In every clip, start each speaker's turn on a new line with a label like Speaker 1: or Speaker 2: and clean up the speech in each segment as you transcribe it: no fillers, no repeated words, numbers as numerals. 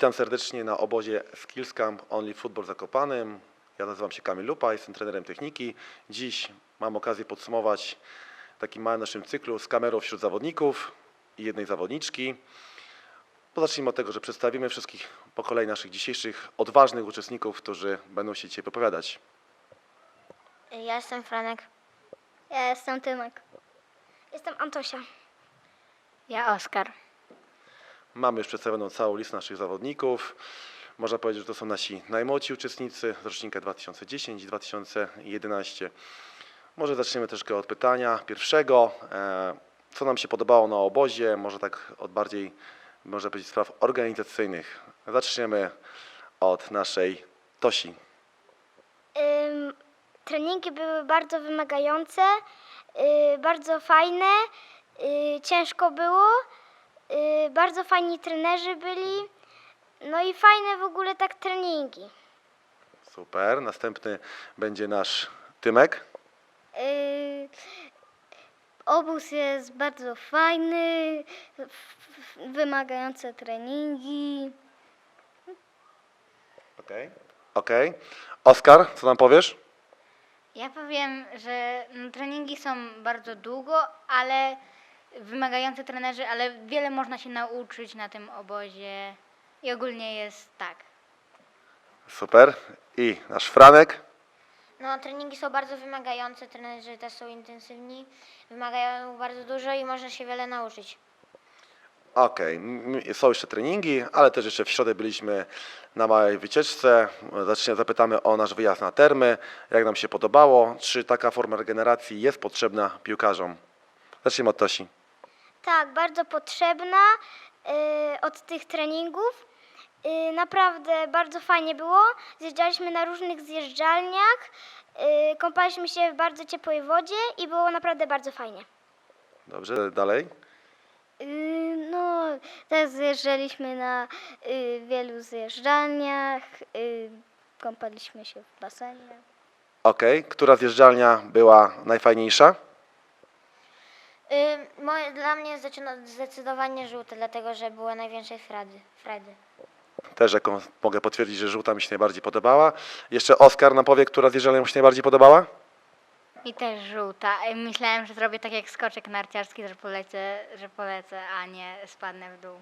Speaker 1: Witam serdecznie na obozie Skills Camp Only Football w Zakopanem. Ja nazywam się Kamil Lupa, jestem trenerem techniki. Dziś mam okazję podsumować taki mały naszym cyklu z kamerą wśród zawodników i jednej zawodniczki. Zacznijmy od tego, że przedstawimy wszystkich po kolei naszych dzisiejszych odważnych uczestników, którzy będą się dzisiaj wypowiadać.
Speaker 2: Ja jestem Franek.
Speaker 3: Ja jestem Tymek.
Speaker 2: Jestem Antosia.
Speaker 3: Ja Oskar.
Speaker 1: Mamy już przedstawioną całą listę naszych zawodników. Można powiedzieć, że to są nasi najmłodsi uczestnicy z rocznika 2010 i 2011. Może zaczniemy troszkę od pytania pierwszego. Co nam się podobało na obozie? Może tak od bardziej, można powiedzieć, spraw organizacyjnych. Zaczniemy od naszej Tosi.
Speaker 2: Treningi były bardzo wymagające, bardzo fajne, ciężko było, bardzo fajni trenerzy byli, no i fajne w ogóle tak treningi.
Speaker 1: Super. Następny będzie nasz Tymek.
Speaker 3: Obóz jest bardzo fajny, wymagające treningi.
Speaker 1: Okej. Oskar, co nam powiesz?
Speaker 4: Ja powiem, że treningi są bardzo długo, ale wymagające trenerzy, ale wiele można się nauczyć na tym obozie i ogólnie jest tak.
Speaker 1: Super. I nasz Franek.
Speaker 2: No, treningi są bardzo wymagające, trenerzy też są intensywni, wymagają bardzo dużo i można się wiele nauczyć.
Speaker 1: Okej, są jeszcze treningi, ale też jeszcze w środę byliśmy na małej wycieczce. Zapytamy o nasz wyjazd na termy, jak nam się podobało, czy taka forma regeneracji jest potrzebna piłkarzom. Zacznijmy od Tosi.
Speaker 2: Tak, bardzo potrzebna od tych treningów. Naprawdę bardzo fajnie było. Zjeżdżaliśmy na różnych zjeżdżalniach, kąpaliśmy się w bardzo ciepłej wodzie i było naprawdę bardzo fajnie.
Speaker 1: Dobrze, dalej.
Speaker 3: No, też zjeżdżaliśmy na wielu zjeżdżalniach, kąpaliśmy się w basenie.
Speaker 1: Okej, która zjeżdżalnia była najfajniejsza?
Speaker 2: Dla mnie zdecydowanie żółte, dlatego że były najwięcej frajdy.
Speaker 1: Też jaką mogę potwierdzić, że żółta mi się najbardziej podobała. Jeszcze Oskar nam powie, która zjeżdżalnia mu się najbardziej podobała?
Speaker 4: I też żółta. Myślałem, że zrobię tak jak skoczek narciarski, że polecę, a nie spadnę w dół.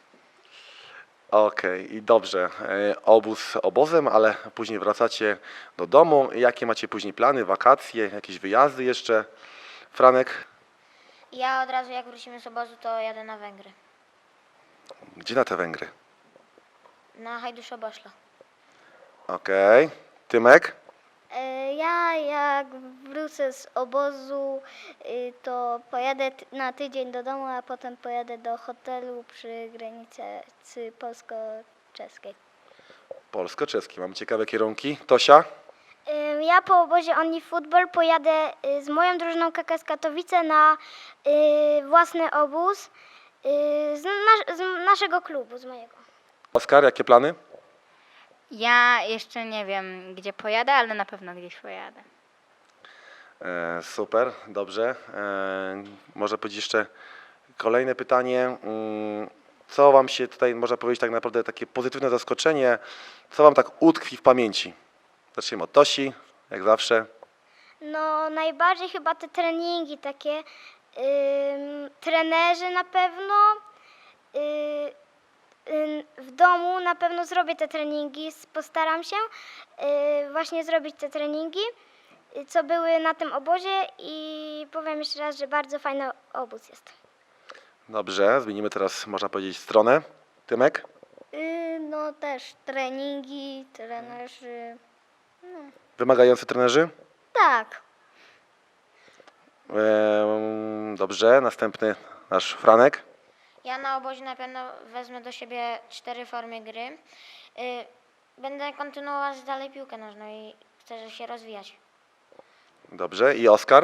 Speaker 1: Okej, i dobrze. Obóz obozem, ale później wracacie do domu. Jakie macie później plany, wakacje, jakieś wyjazdy jeszcze? Franek,
Speaker 2: Ja od razu jak wrócimy z obozu, to jadę na Węgry.
Speaker 1: gdzie na te Węgry?
Speaker 2: Na Hajduszoboszlo.
Speaker 1: Okej. Tymek?
Speaker 3: Ja jak wrócę z obozu, to pojadę na tydzień do domu, a potem pojadę do hotelu przy granicy polsko-czeskiej.
Speaker 1: Polsko-czeski. Mamy ciekawe kierunki. Tosia?
Speaker 2: Ja po obozie Only Football pojadę z moją drużyną KKS Katowice na własny obóz z naszego klubu, z mojego.
Speaker 1: Oskar, jakie plany?
Speaker 4: Ja jeszcze nie wiem, gdzie pojadę, ale na pewno gdzieś pojadę.
Speaker 1: Super, dobrze. Może powiedzieć jeszcze kolejne pytanie. Co wam się tutaj, można powiedzieć tak naprawdę takie pozytywne zaskoczenie, co wam tak utkwi w pamięci? Zacznijmy od Tosi, jak zawsze.
Speaker 2: No najbardziej chyba te treningi takie, trenerzy na pewno, w domu na pewno zrobię te treningi, postaram się właśnie zrobić te treningi, co były na tym obozie i powiem jeszcze raz, że bardzo fajny obóz jest.
Speaker 1: Dobrze, zmienimy teraz, można powiedzieć, stronę. Tymek?
Speaker 3: No też treningi, trenerzy.
Speaker 1: Wymagający trenerzy?
Speaker 3: Tak.
Speaker 1: Dobrze, następny nasz Franek.
Speaker 2: Ja na obozie na pewno wezmę do siebie 4 formy gry. Będę kontynuować dalej piłkę nożną i chcę się rozwijać.
Speaker 1: Dobrze, i Oskar?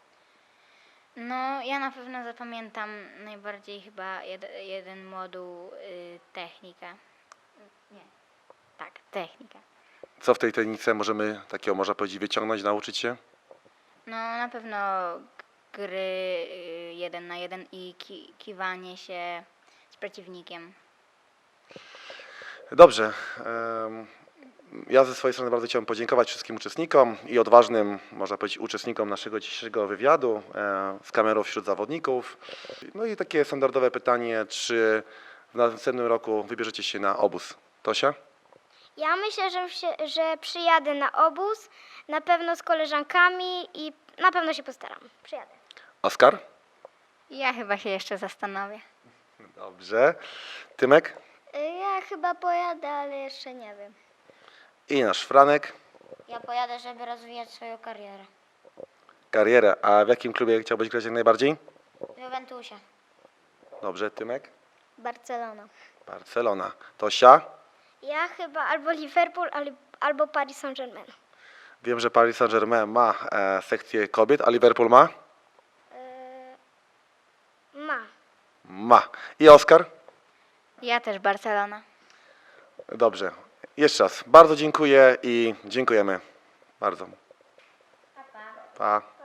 Speaker 4: No, ja na pewno zapamiętam najbardziej chyba jeden moduł technika. Nie, tak, technika.
Speaker 1: Co w tej technice możemy takiego, można powiedzieć, wyciągnąć, nauczyć się?
Speaker 4: No, na pewno gry 1 na 1 i kiwanie się z przeciwnikiem.
Speaker 1: Dobrze. Ja ze swojej strony bardzo chciałbym podziękować wszystkim uczestnikom i odważnym, można powiedzieć, uczestnikom naszego dzisiejszego wywiadu z kamerą wśród zawodników. No i takie standardowe pytanie, czy w następnym roku wybierzecie się na obóz? Tosia?
Speaker 2: Ja myślę, że przyjadę na obóz, na pewno z koleżankami i na pewno się postaram. Przyjadę.
Speaker 1: Oskar?
Speaker 4: Ja chyba się jeszcze zastanowię.
Speaker 1: Dobrze. Tymek?
Speaker 3: Ja chyba pojadę, ale jeszcze nie wiem.
Speaker 1: I nasz Franek.
Speaker 3: Ja pojadę, żeby rozwijać swoją karierę.
Speaker 1: Karierę. A w jakim klubie chciałbyś grać jak najbardziej?
Speaker 3: W Juventusie.
Speaker 1: Dobrze. Tymek?
Speaker 3: Barcelona.
Speaker 1: Barcelona. Tosia?
Speaker 2: Ja chyba albo Liverpool, albo Paris Saint-Germain.
Speaker 1: Wiem, że Paris Saint-Germain ma sekcję kobiet, a Liverpool ma?
Speaker 2: Ma.
Speaker 1: Ma. I Oskar?
Speaker 4: Ja też Barcelona.
Speaker 1: Dobrze. Jeszcze raz bardzo dziękuję i dziękujemy bardzo. Pa.